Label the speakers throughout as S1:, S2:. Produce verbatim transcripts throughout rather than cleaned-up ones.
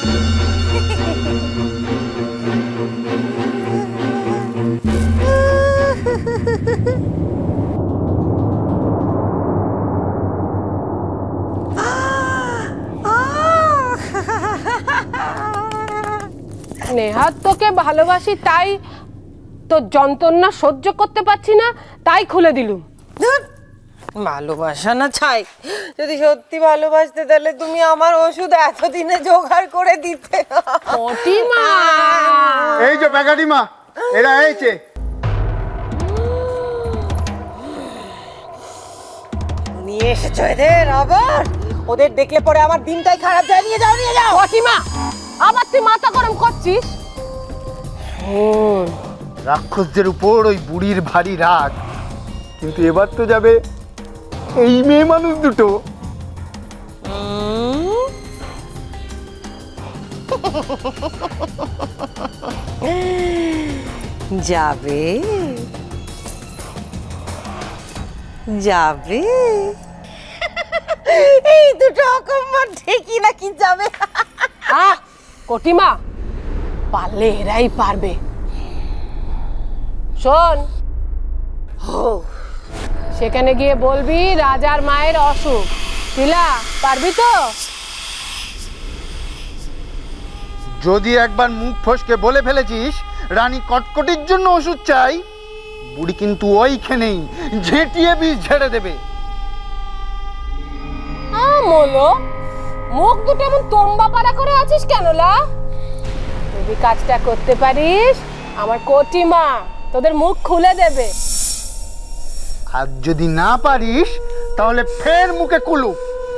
S1: নেহাত তোকে ভালোবাসি, তাই তোর যন্ত্রণা সহ্য করতে পারছি না, তাই খুলে দিলুম।
S2: ভালোবাসা না ছাই, যদি সত্যি ভালোবাসতে তাহলে তুমি আমার ওষুধ এতদিনে জোগাড় করে দিতে।
S1: কটিমা,
S3: এই যে বেগাটিমা, এরা এইছে।
S2: নিয়ে এসেছো এদের আবার? ওদের দেখলে পরে আমার দিনটাই খারাপ যায়। নিয়ে যাও, নিয়ে যাও।
S1: কটিমা, আবার তুই মাথা গরম করছিস?
S3: রাক্ষসদের উপর ওই বুড়ির ভারী রাগ, কিন্তু এবার তো যাবে এই মেয়ে মানুষ দুটো।
S2: যাবে যাবে এই দুটো অকম্মার ঠিকই নাকি যাবে।
S1: আহ কটিমা, পারলে এরাই পারবে। শোন, সেখানে গিয়ে বলবি রাজার মায়ের অসুখ। শিলা, পারবি তো?
S3: যদি একবার মুখ ফসকে বলে ফেলেছিস রানী কটকটির জন্য ওষুধ চাই, বুড়ি কিন্তু ওইখানেই ঝেঁটিয়ে বিষ ঝেড়ে দেবে।
S1: আমলো, মুখ দুটো এমন তোম্বা পাড়া করে আছিস কেন লা? যদি কাজটা করতে পারিস, আমার কটিমা তোদের মুখ খুলে দেবে।
S3: আর যদি না পারিস তাহলে ফের মুখে কুলু।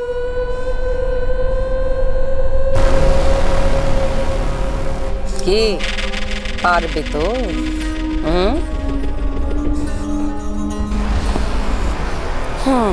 S2: কি পারবে তো? হুম হুম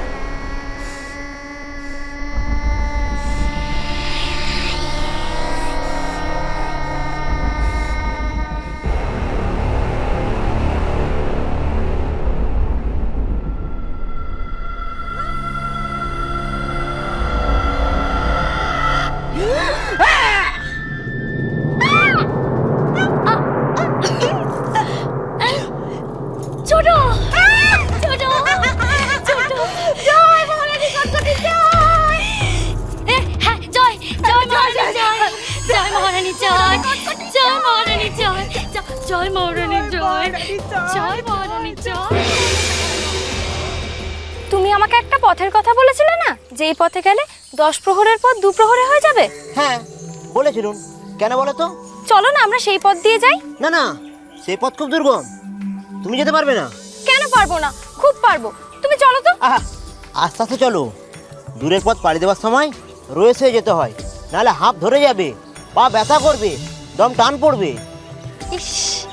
S4: তুমি আমাকে একটা পথের কথা বলেছিলে না, যে এই পথে গেলে দশ প্রহরের পথ দু প্রহরে হয়ে যাবে?
S5: হ্যাঁ বলেছিলুন, কেন বলো তো?
S4: চলো না আমরা সেই পথ দিয়ে যাই।
S5: না না, সেই পথ খুব দুর্গম, তুমি যেতে পারবে না।
S4: কেন পারবো না? খুব পারবো, তুমি চলো তো।
S5: আহা, আস্তে আস্তে চলো, দূরের পথ পাড়ি দেওয়ার সময় রয়েছে যেতে হয়, নাহলে হাঁপ ধরে যাবে, পা ব্যথা করবে, দম টান পড়বে।
S4: ইস,